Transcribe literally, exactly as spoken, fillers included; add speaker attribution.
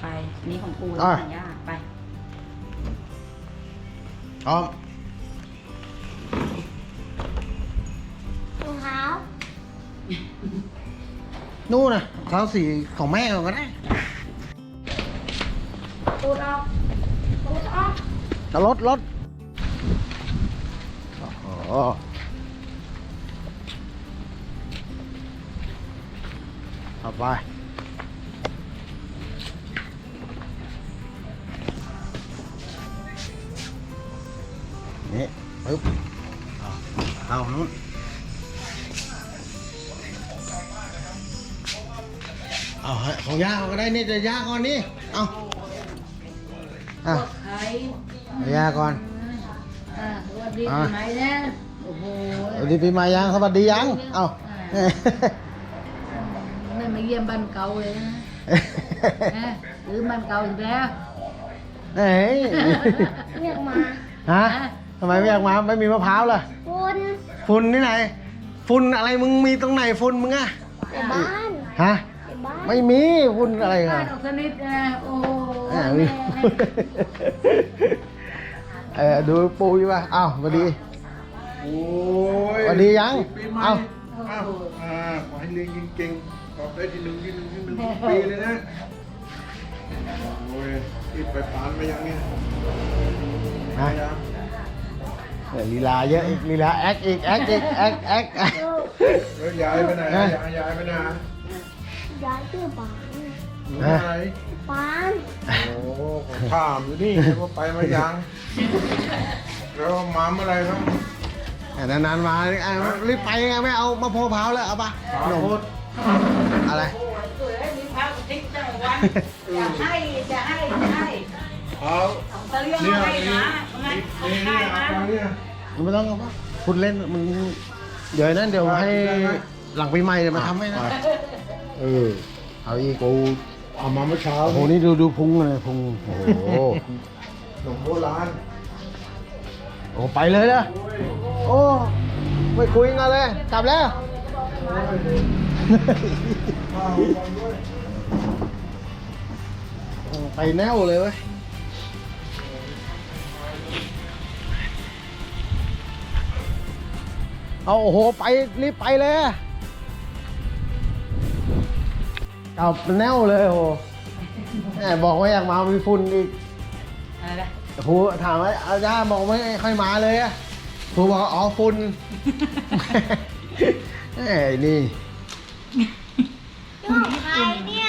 Speaker 1: ไปนี่ของปูนี่ของย่าไป
Speaker 2: อ๋อ
Speaker 3: รองเท้า
Speaker 2: นู่นน่ะเท้าสีของแม่ก็ได้
Speaker 3: ตูดออกตูดออก
Speaker 2: จะรถรถโอ้เอาไปนี่ปึ๊บเอานู้นเอาของย่าก็ได้นี่จะย่าก่อนนี่เอาอ่ะย่าก่อน
Speaker 1: สวัสดีปีใหม่นะโอ้โห
Speaker 2: สวัสดีปีใหม่ยังสวัสดียังเอา
Speaker 1: ไม่มาเยี่ยมบ้านเก่าเลยนะหรือบ้านเก่าอีกแล้ว
Speaker 2: เฮ้ย
Speaker 3: เรียกมา
Speaker 2: ฮะทำไมไม่อยากมาไม่มีมะพร้าวล่ะ
Speaker 3: ฝุ่น
Speaker 2: ฝุ่นที่ไหนฝุ่นอะไรมึงมีตรงไหนฝุ่นมึงอะ
Speaker 3: ในบ้าน
Speaker 2: ฮะไม่มีฝุ่นอะไรกัน
Speaker 1: บ้านออกสนิทนะโอ้
Speaker 2: เออดูปูอยู่ป่ะอ้าวสวัสดี
Speaker 4: โอ้ย
Speaker 2: สวัสดียังเอ้า
Speaker 4: อ้าวอ่าขอให้เรียนเก่งๆตอบได้ที่หนึ่งที่หนึ่งที่หนึ่งทุกปีเลยนะโอ้ยรีบไปปานไปยังเนี่ย
Speaker 2: ฮะลีลาเยอะอีกลีลาแอคอีกแอคอีกแอคแอค
Speaker 4: แล้วย้ายไปไหนย้ายย้ายไปไหน
Speaker 3: ย้ายชื่อปาน
Speaker 4: ไหน
Speaker 3: ปาน
Speaker 4: โอ้ผมถามอยู่นี่ว่าไปมายังแล้วมาเมื่อไรครับ
Speaker 2: นานๆมารีบไปไงไม่เอามาโพพร้าวแล้วเอาปะขนมอะไร
Speaker 1: มีพระติ๊กจังวันจะให้จะให้จะให้
Speaker 4: เอา
Speaker 1: เนี่ยเนี่ย
Speaker 4: เนี่ย
Speaker 2: ไม่ต้องเอาปะพูดเล่นมึงเดี๋ยวนั้นเดี๋ยวให้หลังปีใหม่เดี๋ยวมาทำให้นะเออเอาอีกกู
Speaker 4: เอามาเมื่อเช้า
Speaker 2: โอ้โหนี่ดูดูพุงเลยพุงโอ้โห
Speaker 4: ขนมโบราณ
Speaker 2: โอ้ไปเลยนะโอ้ไม่คุยกันเลยกลับแล้วไปแน่วเลยเว้ยเอาโอ้โหไปรีบไปเลยกลับแน่วเลยโอ้โหแหมบอกว่าอยากมามีฝุ่นอีก
Speaker 1: อะไร
Speaker 2: ครูถามว่าอาจารย์บอกไม่ค่อยมาเลยอะครูบอกอ๋อฝุ่นไอ้นี่
Speaker 3: ยุ่งใครเนี่ย